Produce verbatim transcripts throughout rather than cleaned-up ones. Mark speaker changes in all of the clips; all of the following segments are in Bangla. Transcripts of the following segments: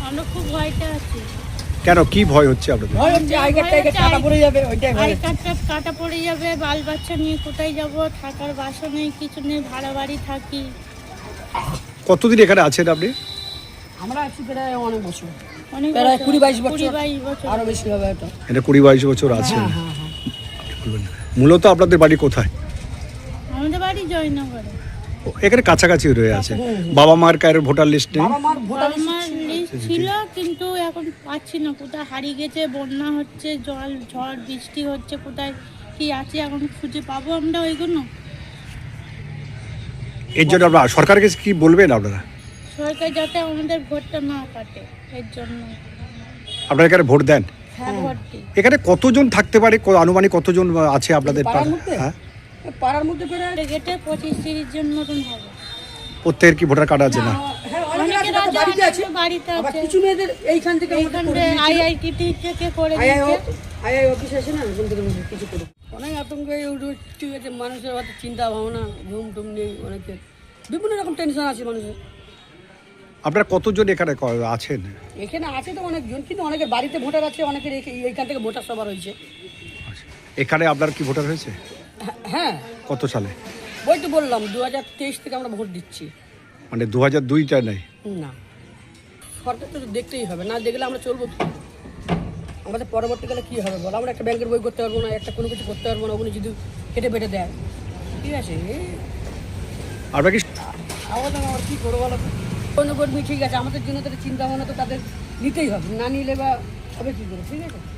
Speaker 1: আমরা খুব ভয়টা আছি।
Speaker 2: কেন, কি ভয় হচ্ছে আপনাদের?
Speaker 3: ভয় হচ্ছে আই কার্ডটা কাটা পড়ে যাবে, ওইটাই ভয়।
Speaker 1: আই কার্ডটা কাটা পড়ে যাবে, বাল বাচ্চা নিয়ে কোথায় যাব, থাকার বাসা নেই, কিছু নেই, ভাড়া বাড়ি থাকি।
Speaker 2: কতদিন এখানে আছেন আপনি?
Speaker 3: আমরা আছি প্রায় অনেক বছর,
Speaker 1: অনেক
Speaker 3: প্রায় কুড়ি বাইশ
Speaker 1: কুড়ি
Speaker 3: বছর,
Speaker 1: বাইশ বছর।
Speaker 3: আরো বেশি হবে এটা।
Speaker 2: এটা কুড়ি বাইশ বছর আছেন।
Speaker 3: হ্যাঁ হ্যাঁ
Speaker 2: মূলত আপনাদের বাড়ি কোথায়?
Speaker 1: আমাদের বাড়ি জয়নগরে।
Speaker 2: ও, এখানে কাছাকাছি রয়ে আছে। বাবা মার কারোর ভোটার লিস্ট নেই?
Speaker 3: বাবা মার ভোটার
Speaker 1: আমার লিস্ট ছিল, কিন্তু এখন পাচ্ছি না, কোথায় হারিয়ে গেছে, বন্যা হচ্ছে, জল ঝড় বৃষ্টি হচ্ছে, কোথায় কি আছে এখন খুঁজে পাবো আমরা ওইগুলো?
Speaker 2: এর জন্য আপনারা সরকারের কাছে কি বলবেন আপনারা?
Speaker 1: সরকার যাতে আমাদের ভোটটা না কাটে, এর জন্য।
Speaker 2: আপনারা এখানে ভোট দেন?
Speaker 1: হ্যাঁ, ভোট দিই।
Speaker 2: এখানে কতজন থাকতে পারে, ক- আনুমানিক কতজন আছে আপনাদের
Speaker 3: পাড়ার
Speaker 2: পাড়ায়?
Speaker 3: মধ্যে?
Speaker 2: হ্যাঁ,
Speaker 3: পাড়ার মধ্যে প্রায়
Speaker 1: গেটে পঁচিশ তিরিশ জন মতন হবে।
Speaker 2: প্রত্যেকের কি ভোটার কার্ড আছে? না,
Speaker 3: হ্যাঁ অনেকে আছে,
Speaker 1: অনেকের আছে,
Speaker 3: বাড়িতে আছে,
Speaker 1: অনেকের বাড়িতে
Speaker 3: আবার
Speaker 1: আছে।
Speaker 3: কিছু মেয়েদের এইখান থেকে আমাদের
Speaker 1: এইখানে
Speaker 3: করে দিয়েছিল।
Speaker 1: আইআইটি থেকে করে
Speaker 3: আই আই
Speaker 1: দিচ্ছে।
Speaker 3: আই আই অফিস আছে না, ওখান থেকে কিছু করে অনেক আতঙ্কে ঠিক আছে, মানুষের হয়তো চিন্তা ভাবনা, ঘুম টুম নেই, অনেকের বিভিন্ন রকম টেনশন আছে মানুষের।
Speaker 2: আপনারা কতজন এখানে ক- আছেন?
Speaker 3: এখানে আছে তো অনেকজন, কিন্তু অনেকের বাড়িতে ভোটার আছে, অনেকের এই- এইখান থেকে ভোটার সবার হয়েছে।
Speaker 2: এখানে আপনার কি ভোটার হয়েছে?
Speaker 3: হ্যাঁ,
Speaker 2: কত সালে?
Speaker 3: ওই তো বললাম দু হাজার তেইশ থেকে আমরা ভোট দিচ্ছি।
Speaker 2: মানে দু হাজার দুইটা নেই?
Speaker 3: না, সরকার তো দেখতেই হবে, না দেখলে আমরা চলবো কি? আমাদের পরবর্তীকালে কী হবে বলো? আমরা একটা ব্যাংকের বই করতে পারবো না, একটা কোনো কিছু করতে পারবো না, ওগুলো যদি কেটে বেটে দেয়, ঠিক আছে?
Speaker 2: আপনারা কি
Speaker 3: আমাদের আমার কী করবো বলো তো? কোনো কর্মী ঠিক আছে, আমাদের জন্য তাদের চিন্তা ভাবনা তো তাদের নিতেই হবে, না নিলে বা হবে কী করে, ঠিক আছে?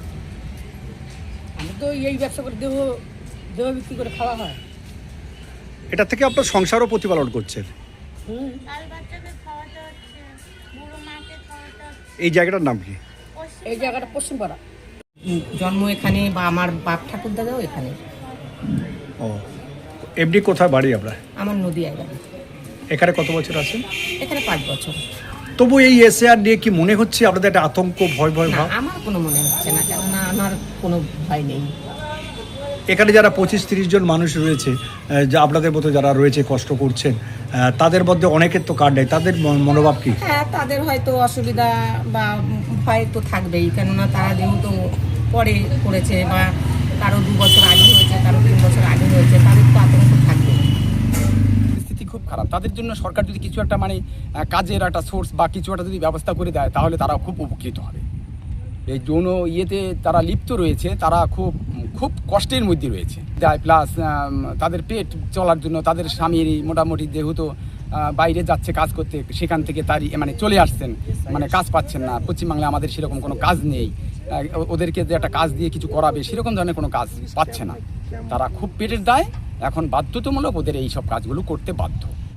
Speaker 3: আমরা তো এই ব্যবসা করে দেহ দেহ বিক্রি করে খাওয়া হয়।
Speaker 2: এটা থেকে আপনার সংসারও প্রতিপালন করছেন?
Speaker 3: হুম,
Speaker 1: বাল বাচ্চাকে খাওয়াতে হচ্ছে, বুড়ো মাকে খাওয়াতে হচ্ছে।
Speaker 2: এই জায়গাটার নাম কি?
Speaker 3: এই জায়গাটা পশ্চিমপাড়া।
Speaker 4: জন্ম এখানে, বা আমার বাপ ঠাকুর দাদাও এখানে।
Speaker 2: ও, এমনি কোথায় বাড়ি আপনার?
Speaker 4: আমার নদীয়ায় বাড়ি।
Speaker 2: এখানে কত বছর আছেন?
Speaker 4: এখানে পাঁচ বছর।
Speaker 2: তবু এই এসএআর নিয়ে কি মনে হচ্ছে আপনাদের একটা আতঙ্ক, ভয় ভয়
Speaker 4: না,
Speaker 2: ভাব?
Speaker 4: আমার কোনো মনে হচ্ছে না, কেননা আমার কোনো ভয় নেই।
Speaker 2: এখানে যারা পঁচিশ তিরিশ জন মানুষ রয়েছে, আহ, যা আপনাদের মতো যারা রয়েছে কষ্ট করছেন, আহ, তাদের মধ্যে অনেকের তো কার্ড নেই, তাদের মন- মনোভাব কি?
Speaker 4: হ্যাঁ, তাদের হয়তো অসুবিধা বা ভয় তো থাকবেই, কেননা তারা যেহেতু পরে করেছে, বা কারো দু বছর আগে হয়েছে, কারো তিন বছর আগে হয়েছে, তাদের তো আতঙ্ক থাকবে।
Speaker 5: পরিস্থিতি খুব খারাপ। তাদের জন্য সরকার যদি কিছু একটা মানে আহ, কাজের একটা সোর্স বা কিছু একটা যদি ব্যবস্থা করে দেয়, তাহলে তারা খুব উপকৃত হবে। এই যৌন ইয়েতে তারা লিপ্ত রয়েছে, তারা খুব খুব কষ্টের মধ্যে রয়েছে। দেয় প্লাস তাদের পেট চলার জন্য তাদের স্বামীর মোটামুটি যেহেতু আহ, বাইরে যাচ্ছে কাজ করতে, সেখান থেকে তারই মানে চলে আসছেন, মানে কাজ পাচ্ছেন না। পশ্চিমবাংলায় আমাদের সেরকম কোনো কাজ নেই, আহ, ওদেরকে যে একটা কাজ দিয়ে কিছু করাবে সেরকম ধরনের কোনো কাজ পাচ্ছে না। তারা খুব পেটের দায়, এখন বাধ্যতামূলক ওদের এই সব কাজগুলো করতে বাধ্য।